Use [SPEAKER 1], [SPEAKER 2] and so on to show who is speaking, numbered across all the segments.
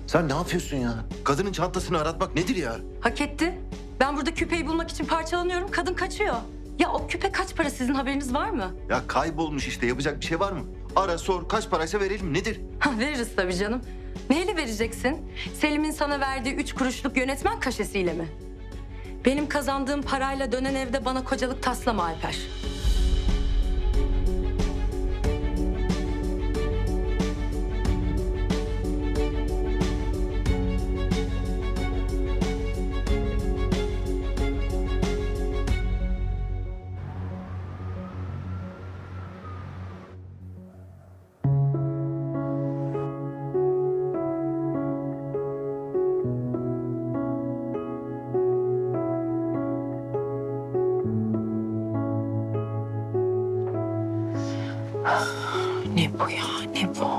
[SPEAKER 1] Sen ne yapıyorsun ya? Kadının çantasını aratmak nedir ya?
[SPEAKER 2] Hak etti. Ben burada küpeyi bulmak için parçalanıyorum. Kadın kaçıyor. Ya o küpe kaç para, sizin haberiniz var mı?
[SPEAKER 1] Ya kaybolmuş işte, yapacak bir şey var mı? Ara sor, kaç paraysa verelim, nedir?
[SPEAKER 2] Ha, veririz tabii canım. Neyle vereceksin? Selim'in sana verdiği 3 kuruşluk yönetmen kaşesiyle mi? Benim kazandığım parayla dönen evde bana kocalık taslama Alper.
[SPEAKER 3] Ne bu ya, ne bu?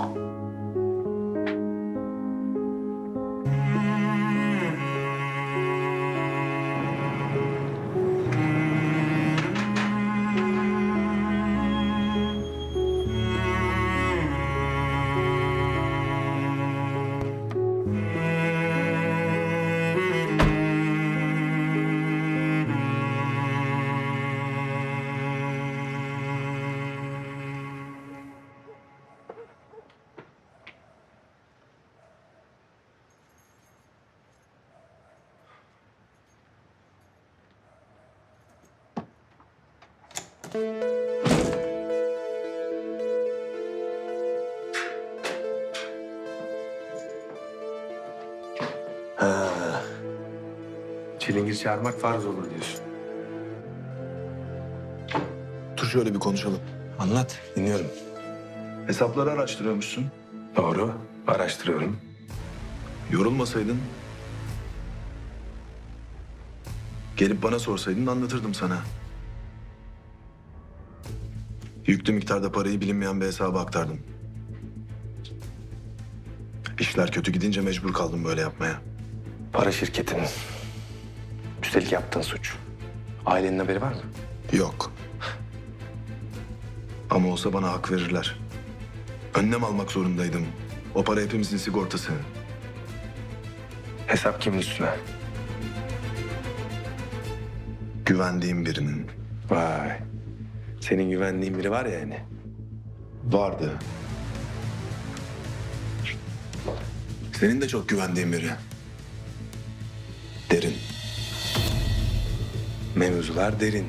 [SPEAKER 4] Çilingir çağırmak farz olur diyorsun.
[SPEAKER 5] Dur şöyle bir konuşalım.
[SPEAKER 4] Anlat, dinliyorum.
[SPEAKER 5] Hesapları araştırıyormuşsun.
[SPEAKER 4] Doğru, araştırıyorum.
[SPEAKER 5] Yorulmasaydın... gelip bana sorsaydın anlatırdım sana. Yüklü miktarda parayı bilinmeyen bir hesaba aktardım. İşler kötü gidince mecbur kaldım böyle yapmaya.
[SPEAKER 4] Para şirketinin. Üstelik yaptığın suç. Ailenin haberi var mı?
[SPEAKER 5] Yok. Ama olsa bana hak verirler. Önlem almak zorundaydım. O para hepimizin sigortası.
[SPEAKER 4] Hesap kimin üstüne?
[SPEAKER 5] Güvendiğim birinin.
[SPEAKER 4] Vay. Senin güvendiğin biri var ya yani.
[SPEAKER 5] Vardı. Senin de çok güvendiğin biri. Derin.
[SPEAKER 4] Mevzular derin.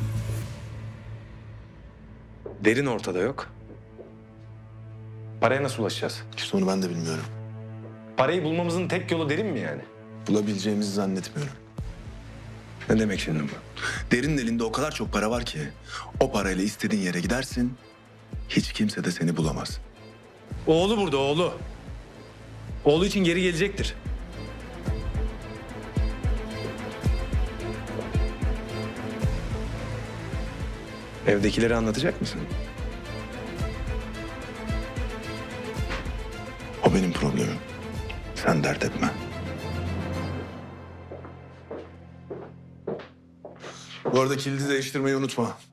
[SPEAKER 4] Derin ortada yok. Paraya nasıl ulaşacağız?
[SPEAKER 5] İşte onu ben de bilmiyorum.
[SPEAKER 4] Parayı bulmamızın tek yolu derin mi yani?
[SPEAKER 5] Bulabileceğimizi zannetmiyorum.
[SPEAKER 4] Ne demek şimdi bu?
[SPEAKER 5] Derinin elinde o kadar çok para var ki... o parayla istediğin yere gidersin... hiç kimse de seni bulamaz.
[SPEAKER 4] Oğlu burada, oğlu. Oğlu için geri gelecektir. Evdekileri anlatacak mısın?
[SPEAKER 5] O benim problemim. Sen dert etme. Bu arada kilidi değiştirmeyi unutma.